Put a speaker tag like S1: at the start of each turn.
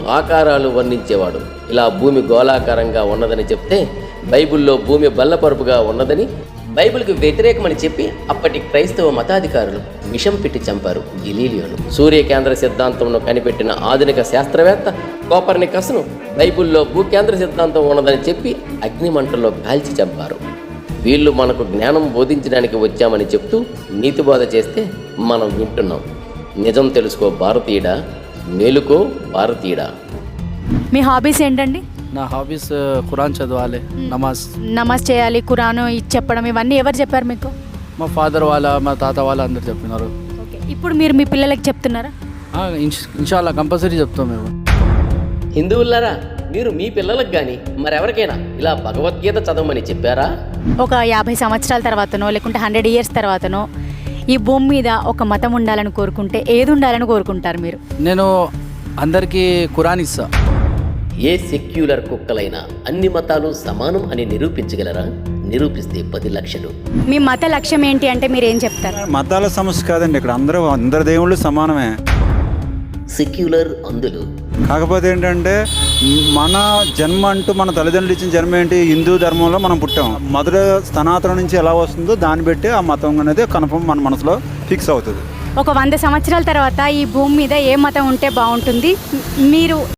S1: ఆకారాలు వర్ణించేవాడు. ఇలా భూమి గోళాకారంగా ఉన్నదని చెప్తే బైబిల్లో భూమి బల్లపరుపుగా ఉన్నదని, బైబిల్కి వ్యతిరేకమని చెప్పి అప్పటి క్రైస్తవ మతాధికారులు విషం పెట్టి చంపారు గెలీలియోను. సూర్యకేంద్ర సిద్ధాంతంను కనిపెట్టిన ఆధునిక శాస్త్రవేత్త కోపర్నికస్ను బైబిల్లో భూకేంద్ర సిద్ధాంతం ఉన్నదని చెప్పి అగ్నిమంటల్లో కాల్చి చంపారు. వీళ్ళు మనకు జ్ఞానం బోధించడానికి వచ్చామని చెప్తూ నీతిబోధ చేస్తే మనం వింటున్నాం. నిజం తెలుసుకో భారతీయుడా, మేలుకో భారతీయుడా.
S2: మీ హాబీస్ ఏంటండి?
S3: నా హాబీస్ ఖురాన్ చదవాలి,
S2: నమాజ్ చేయాలి, ఖురాను చెప్పడం, ఇవన్నీ ఎవరు చెప్పారు మీకు?
S3: మా ఫాదర్ మా తాత అందరు చెప్పినారు.
S2: ఓకే, ఇప్పుడు మీరు మీ పిల్లలకి చెప్తున్నారా?
S3: ఇన్షాల్లా కంపల్సరీ చెప్తాం మేము.
S1: హిందువులారా, మీరు మీ పిల్లలకు కానీ మరెవరికైనా ఇలా భగవద్గీత చదవమని చెప్పారా?
S2: ఒక 50 సంవత్సరాల తర్వాతనో లేకుంటే 100 years తర్వాతనో ఈ భూమి మీద ఒక మతం ఉండాలని కోరుకుంటే ఏది ఉండాలని కోరుకుంటారు మీరు?
S3: నేను అందరికీ ఖురాన్ ఇస్తా.
S1: ఏ సెక్యులర్ కుక్కలైనా అన్ని మతాలు సమానం అని నిరూపించగలరా? నిరూపిస్తే 10 లక్షలు.
S2: మీ మత లక్ష్యం ఏంటి అంటే మీరు ఏం చెప్తారు?
S4: మతాల సమస్య కాదండి, ఇక్కడ అందరు దేవుళ్ళు సమానమే.
S1: సెక్యులర్ అందులు.
S4: కాకపోతే ఏంటంటే మన జన్మ అంటూ మన తల్లిదండ్రులు ఇచ్చిన జన్మ ఏంటి? హిందూ ధర్మంలో మనం పుట్టాం. మొదట సనాతనం నుంచి ఎలా వస్తుందో దాన్ని బట్టి ఆ మతం అనేది కన్ఫర్మ్ మన మనసులో ఫిక్స్ అవుతుంది.
S2: ఒక 100 సంవత్సరాల తర్వాత ఈ భూమి మీద ఏ మతం ఉంటే బాగుంటుంది మీరు